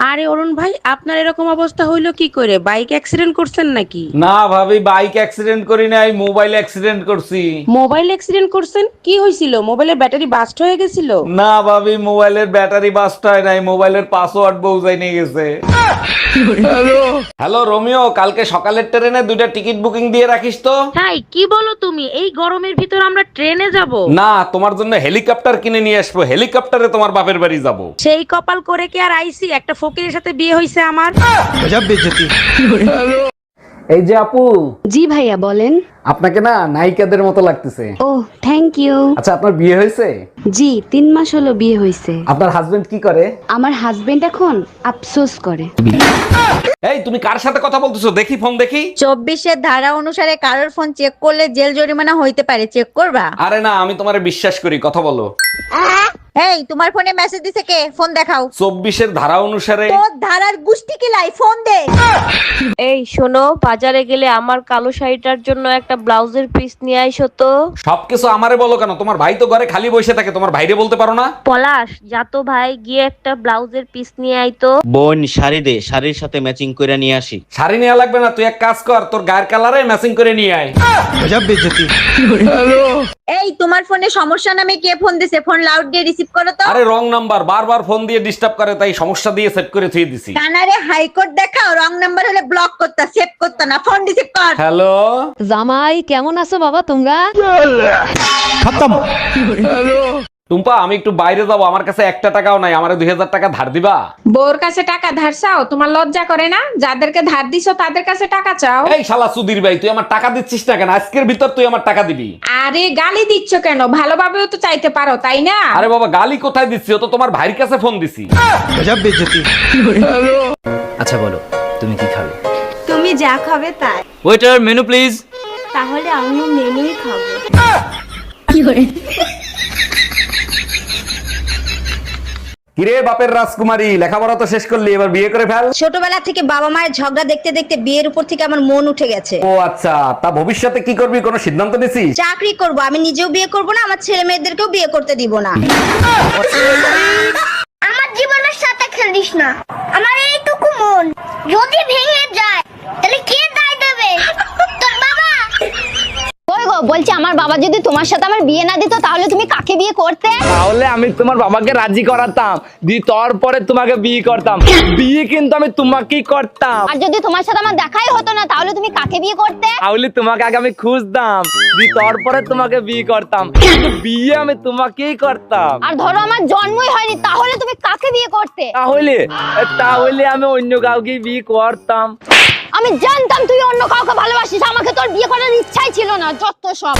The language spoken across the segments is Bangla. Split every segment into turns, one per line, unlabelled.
আরে অরুণ ভাই, আপনার এরকম অবস্থা হইলো কি করে? বাইক অ্যাক্সিডেন্ট করছেন নাকি?
না ভাবি, বাইক অ্যাক্সিডেন্ট করি নাই, মোবাইল অ্যাক্সিডেন্ট করছি।
মোবাইল অ্যাক্সিডেন্ট করছেন? কি হয়েছিল? মোবাইলের ব্যাটারি বাস্ট হয়ে গেছিল?
না ভাবি, মোবাইলের ব্যাটারি বাস্ট হয় নাই, মোবাইলের পাসওয়ার্ড বউজাই নিয়ে গেছে। হ্যালো রোমিও, কালকে সকালের ট্রেনে 2টা টিকিট বুকিং দিয়ে রাখিস তো।
তাই কি বলো তুমি? এই গরমের ভিতর আমরা ট্রেনে যাব?
না, তোমার জন্য হেলিকপ্টার কিনে নিয়ে আসবো, হেলিকপ্টারে তোমার বাপের বাড়ি যাব।
সেই কপাল করে কি আর আইছি? একটা ফকিরের সাথে বিয়ে হয়েছে আমার।
এই যে আপু,
জি ভাইয়া বলেন।
আপনাকে না নায়িকাদের মতো লাগতেছে।
ও থ্যাংক ইউ।
আচ্ছা, আপনার বিয়ে হয়েছে?
জি 3 মাস হলো বিয়ে হয়েছে।
আপনার হাজবেন্ড কি করে?
আমার হাজবেন্ড এখন আফসোস করে।
এই তুমি কার সাথে কথা বলতেছো? দেখি ফোন দেখি।
24-এর ধারা অনুসারে কারোর ফোন চেক করলে জেল জরিমানা হইতে পারে, চেক করবা?
আরে না, আমি তোমারে বিশ্বাস করি, কথা বলো।
এই তোমার ফোনে মেসেজ দিছে কে? ফোন দেখাও।
24-এর ধারা অনুসারে।
তোর ধারার গুষ্টি কিলাই, ফোন দে।
এই শোনো, বাজারে গেলে আমার কালো শাড়িটার জন্য একটা ব্লাউজের পিস নিয়ে আইসো তো।
সবকিছু আমারে বলো কেন? তোমার ভাই তো ঘরে খালি বসে থাকে, তোমার ভাইরে বলতে পারো না?
পলাশ, যা তো ভাই, গিয়ে একটা ব্লাউজের পিস নিয়ে আইতো।
বোন শাড়ি দে, শাড়ির সাথে ম্যাচিং করে নিয়ে আসি।
শাড়ি নেওয়া লাগবে না, তুই এক কাজ কর, তোর গায়ের কালারে ম্যাচিং করে নিয়ে আয়।
এই তোমার ফোনে সমস্যা নামে কে ফোন দিছে? ফোন লাউড দিয়ে রিসিভ করো তো।
আরে রং নাম্বার, বারবার ফোন দিয়ে ডিস্টার্ব করে, তাই সমস্যা দিয়ে সেট করে থুয়ে দিছি।
কানারে হাইকোর্ট দেখাও, রং নাম্বার হলে ব্লক করতা, সেভ করতা না, ফোন রিসিভ কর।
হ্যালো
জামাই কেমন আছো বাবা তোমরা?
টুম্পা, আমি একটু বাইরে যাবো, আমার কাছে 1 টাকাও নাই, আমারে 2000 টাকা ধার দিবা?
বউর কাছে টাকা ধার চাও? তোমার লজ্জা করে না? যাদেরকে ধার দিছো তাদের কাছে টাকা চাও?
এই শালা সুধীর ভাই, তুই আমার টাকা দিচ্ছিস না কেন? আজকের ভিতর তুই আমার টাকা দিবি।
আরে গালি দিচ্ছ কেন? ভালোভাবেও তো চাইতে পারো, তাই না?
আরে বাবা, গালি কোথায় দিচ্ছি? ও তো তোমার ভাইয়ের কাছে ফোন দিছি।
আচ্ছা বলো, তুমি কি খাবে?
তুমি যা খাবে তাই।
Waiter, menu please.
তাহলে আমিও মেনুই খাবো।
কিরে বাপের রাজকুমারী, লেখাপড়া তো শেষ করলি, এবার বিয়ে করে ফেল।
ছোটবেলা থেকে বাবা মায়ের ঝগড়া দেখতে দেখতে বিয়ের উপর থেকে আমার মন উঠে গেছে।
ও আচ্ছা, তা ভবিষ্যতে কি করবি, কোনো সিদ্ধান্ত নিছিস?
চাকরি করব, আমি নিজেও বিয়ে করব না, আমার ছেলে মেয়েদেরকেও বিয়ে করতে দিব না।
আমার জীবনের সাথে খেলিস না। আমার এইটুকু মন যদি ভেঙে যায় তাহলে কে দায় দেবে? তোর বাবা।
ওই গো, বলছি আমার বাবা যদি তোমার সাথে আমার বিয়ে না দিত তাহলে তুমি কাকে বিয়ে করতে?
তাহলে আমি তোমার বাবাকে রাজি করাতাম, তারপরে তোমাকে বিয়ে করতাম। বিয়ে কিন্তু আমি তোমাকেই করতাম।
আর যদি তোমার সাথে আমার দেখাই হতো না তাহলে তুমি কাকে বিয়ে করতে?
তাহলে তোমাকে আগে আমি খুঁজতাম, তারপরে তোমাকে বিয়ে করতাম, কিন্তু বিয়ে আমি তোমাকেই করতাম।
আর ধরো আমার জন্মই হয়নি, তাহলে তুমি কাকে বিয়ে করতে?
তাহলে তাহলে আমি অন্য কাউকে বিয়ে করতাম।
আমি জানতাম তুই অন্য কাউকে ভালোবাসিস, আমাকে তোর বিয়ে করার ইচ্ছাই ছিল না, যত সব।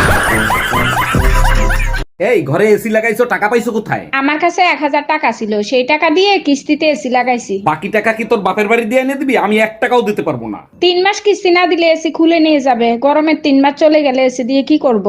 এই ঘরে এসি লাগাইছো, টাকা পাইছো কোথায়?
আমার কাছে 1000 টাকা ছিল, সেই টাকা দিয়ে কিস্তিতে এসি লাগাইছি।
বাকি টাকা কি তোর বাপের বাড়ি দিয়ে এনে দিবি? আমি 1 টাকাও দিতে পারবো না।
3 মাস কিস্তি না দিলে এসি খুলে নিয়ে যাবে। গরমের 3 মাস চলে গেলে এসি দিয়ে কি করব?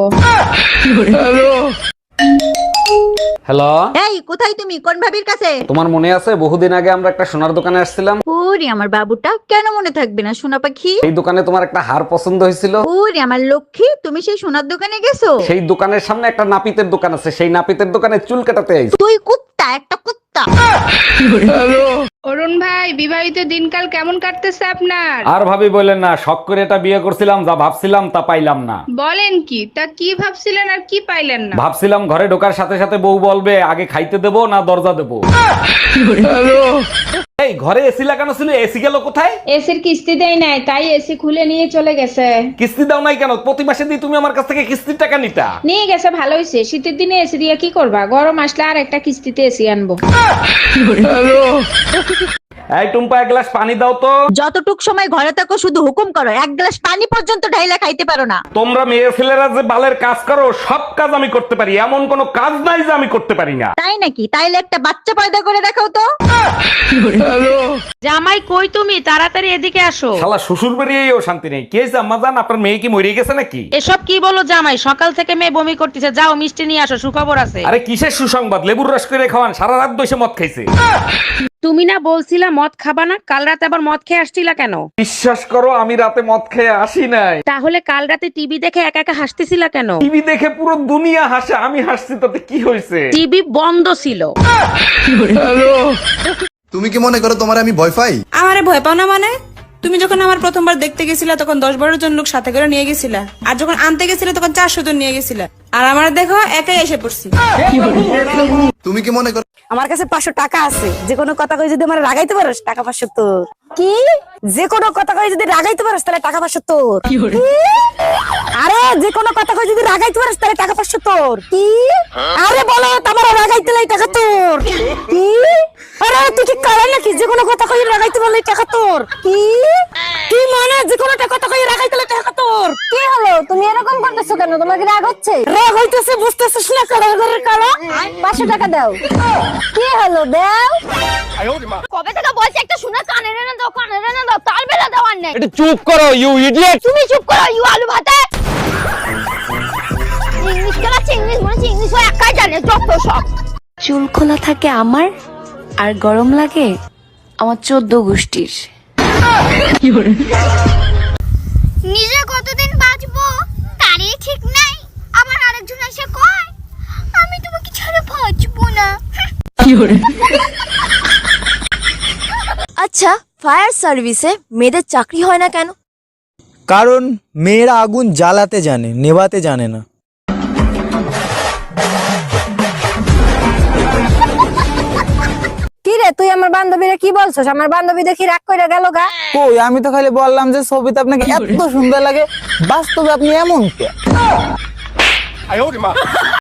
হ্যালো,
এই কোথায় তুমি? কোন ভাবির কাছে?
তোমার মনে আছে বহুদিন আগে আমরা একটা সোনার দোকানে আসছিলাম?
ওরে আমার বাবুটা, কেন মনে থাকবে না সোনা পাখি?
এই দোকানে তোমার একটা হার পছন্দ হয়েছিল।
ওরে আমার লক্ষ্মী, তুমি সেই সোনার দোকানে গেছো?
সেই দোকানের সামনে একটা নাপিতের দোকান আছে, সেই নাপিতের দোকানে চুল কাটাতে আইছি।
তুই কুত্তা, একটা কুত্তা।
অরুণ ভাই, বিবাহিত দিনকাল কেমন কাটতেছে আপনার?
আর ভাবি বললেন না, শখ করে এটা বিয়ে করছিলাম, যা ভাবছিলাম তা পাইলাম না।
বলেন কি? তা কি ভাবছিলেন আর কি পাইলেন না?
ভাবছিলাম ঘরে ঢোকার সাথে সাথে বউ বলবে আগে খাইতে দেবো না দরজা দেবো। এই ঘরে এসি লাগানো ছিল, এসি গেল কোথায়?
এসির কিস্তি দেয় নাই, তাই এসি খুলে নিয়ে চলে গেছে।
কিস্তি দাও নাই কেন? প্রতি মাসে দিয়ে তুমি আমার কাছ থেকে কিস্তির টাকা নিতা।
নিয়ে গেছে, ভালো হয়েছে। শীতের দিনে এসি দিয়ে কি করবা? গরম আসলে আর একটা কিস্তিতে এসি আনবো।
এই টুম্পা, 1 গ্লাস পানি দাও তো।
যতটুক সময় ঘরে থাকো শুধু হুকুম করো, 1 গ্লাস পানি পর্যন্ত ঢাইলা খাইতে পারো না।
তোমরা মেয়ে ছেলেরা যে বালের কাজ করো, সব কাজ আমি করতে পারি, এমন কোনো কাজ নাই যে আমি করতে পারি না।
তাই নাকি? তাইলে একটা বাচ্চা পয়দা করে দেখাও তো।
জামাই কই তুমি? তাড়াতাড়ি এদিকে আসো।
শালা শ্বশুর বেরিয়েও শান্তি নেই। কে জাম্মা জান, আপনার মেয়ে কি মরে গেছে নাকি?
এসব কি বলো জামাই? সকাল থেকে মেয়ে বমি করতেছে, যাও মিষ্টি নিয়ে আসো, সুখবর আছে।
আরে কিসের সুসংবাদ? লেবুর রস করে খাওয়ান, সারা রাত বসে মদ খাইছে।
তুমি না বলছিলা মদ খাবা না? কাল রাতে আবার মদ খেয়ে আসছিলা কেন?
বিশ্বাস করো, আমি রাতে মদ খেয়ে আসি নাই।
তাহলে কাল রাতে টিভি দেখে একা একা হাসতেছিলা কেন?
টিভি দেখে পুরো দুনিয়া হাসে, আমি হাসছি, তাতে কি হয়েছে?
টিভি বন্ধ ছিল।
তুমি কি মনে করো তোমার আমি ভয় পাই?
আমারে ভয় পাও না মানে? তুমি যখন আমার প্রথমবার দেখতে গেছিলা তখন 10-12 জন লোক সাথে করে নিয়ে গেছিলা, আর যখন আনতে গেছিলে তখন 400 জন নিয়ে গেছিলা, আর আমার দেখো একাই এসে পড়ছি।
তুমি কি মনে করো
আমার কাছে 500 টাকা আছে, যে কোনো কথা কই যদি আমার রাগাইতে পারোস টাকা 500 তোর।
কি?
যে কোনো কথা কই যদি রাগাইতে পারোস তাহলে টাকা 500 তোর। আরে যে কোনো কথা কই যদি রাগাইতে পারোস তাহলে টাকা 500 তোর।
কি?
আরে বলো তোমার রাগাইতে লাই টাকা তোর।
কি?
আরে তুই কি করে নাকি যে কোনো কথা কই রাগাইতে বললে টাকা তোর।
কি?
কি মানে যে কোনো কথা কই রাগাইতে লাই টাকা তোর।
কি হলো? তুমি এরকম করতেছো কেন? তোমার কি রাগ হচ্ছে?
রাগ হইতেছে বুঝতেছিস না কারো ঘরের কালো।
500 টাকা দাও। কি হলো? দাও। কবে থেকে বলছি একটা শুনে কানে রে না দাও, কানে রে না দাও, তার বেলা দেওয়ার নেই।
একটু চুপ করো ইউ ইডিয়েট।
তুমি চুপ করো ইউ আলু ভাতে। ইংলিশ কেলাচ্ছে, ইংলিশ মনে হচ্ছে ইংলিশ একাই জানে যত সব।
চুল খোলা থাকে আমার, আর গরম লাগে আমার 14 গোষ্ঠীর।
নিজে কতদিন বাঁচবো তারই ঠিক নাই, আবার আরেকজন এসে কয় আমি তোমাকে ছাড়া বাঁচবো না।
আচ্ছা, ফায়ার সার্ভিসে মেয়েদের চাকরি হয় না কেন?
কারণ মেয়েরা আগুন জ্বালাতে জানে, নেভাতে জানে না।
কি রে তুই আমার বান্ধবীরা কি বলছস? আমার বান্ধবী দেখি রাগ কইরা গেল গা।
কই আমি তো খালি বললাম যে ছবিতে আপনাকে এত সুন্দর লাগে, বাস্তবে আপনি এমন কে?